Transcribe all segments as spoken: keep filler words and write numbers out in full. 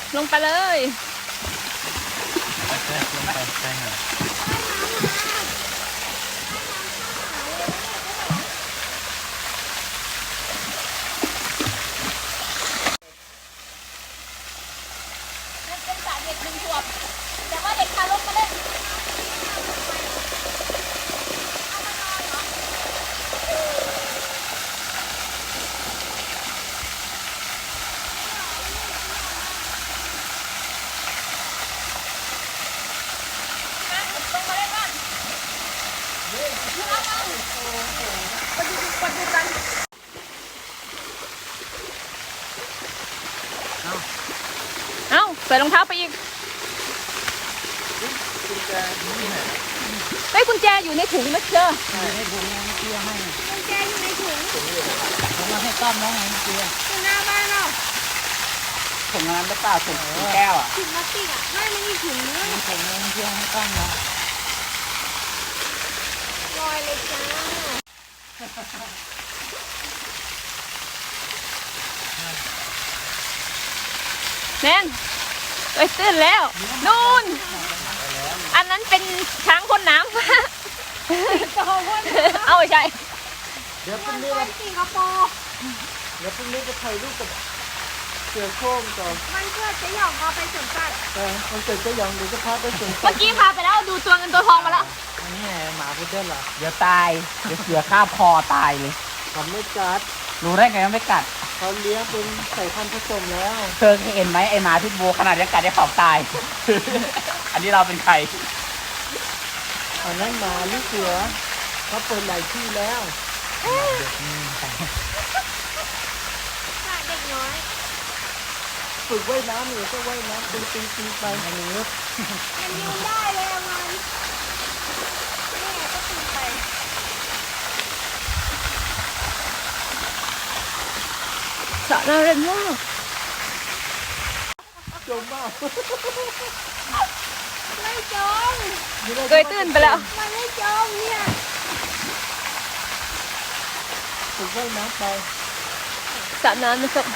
ลงไปเลยลงไปใช่ไหมเป็นสระเด็กหนึ่งขวบแต่ว่าเด็กทารกมาเล่นเอ้าใส่รองเท้าไปอีกเฮ้ยกุญแจอยู่ในถุงนะเชื่อให้บุญให้เตี้ยให้กุญแจอยู่ในถุงแล้วมาให้ต้อมน้องไงเตี้ยอยู่หน้าบ้านเราถุงน้ำหรือเปล่าถุงแก้วอ่ะถุงพลาสติกอ่ะไม่ไม่มีถุงเนื้อมีถุงน้ำเตี้ยให้ต้อมนะลอยเลยจ้าแนนเอ้ยตื่นแล้วนู่นอันนั้นเป็นช้างพ่นน้ำเอาใช่เดี๋ยวพรุ่งนี้ไปสิงคโปร์เดี๋ยวพรุ่งนี้จะถ่ายรูปกับเสือโคร่งก่อนมันเกิดจะหยองพาไปสวนสัตว์เออมันเกิดจะหยองเดี๋ยวจะพาไปสวนสัตว์เมื่อกี้พาไปแล้วดูตัวเงินตัวทองมาแล้วอันนี้หมาพุดเดิ้ลเหรอเดี๋ยวตายเดี๋ยวเสือข้าบคอตายเลยเขาไม่กัดรู้ได้ไงว่าไม่กัดเขาเลี้ยงเป็นไข่พันธุ์ผสมแล้วเธอเคยเห็นไหมไอหมาพิษบูขนาดยังกัดได้ขอบตาย อันนี้เราเป็นใครอันนั้นหมาหรือเสือเขาเปิดหลายที่แล้วเด็กน้อยฝึกว่ายน้ำหรือก็ว่ายน้ำตีตีตีไปอันนี้มันยืนได้เลยมันนี่ก็ตีไปสระน่าเล่นมากจมมากไม่จมเคยตื่นไปแล้วมันไม่จมเนี่ยฝึกว่ายน้ำไปสระน้ำนะครับ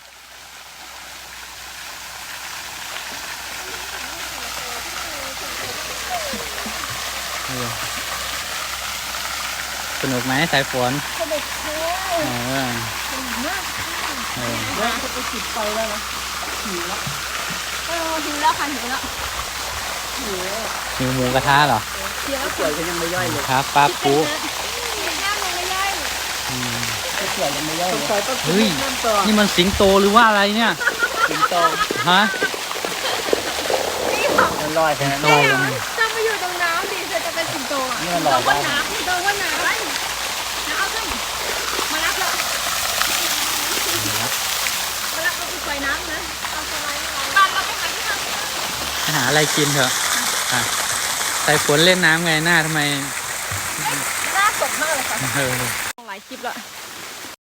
สนุกไหมสายฝนสนุกเลยเออสนุกมากเออแล้วจะไปจุดไฟได้ไหมหิวแล้วเออหิวแล้วค่ะหิวแล้วหิวหิวหมูกระทะเหรอหิวแล้วเกลือก็ยังไม่ย่อยเลยครับปลาปูน้ำมันไม่ย่อยอืมเกลือยังไม่ย่อยเลยเฮ้ยนี่มันสิงโตหรือว่าอะไรเนี่ยสิงโตฮะมันลอยแค่นั้นลอยลงจะมาอยู่ตรงน้ำดิเธอจะเป็นสิงโตอ่ะนี่มันลอยบนน้ำตรงบนน้ำน้ำเอาขึ้นมารับเลยมารับเราไปปล่อยน้ำนะเอาสไลด์บ้านเราไปหาที่ทำหาอะไรกินเถอะอ่ะสายฝนเล่นน้ำไงหน้าทำไมหน้าสดมากเลยค่ะหลายคลิปแล้ว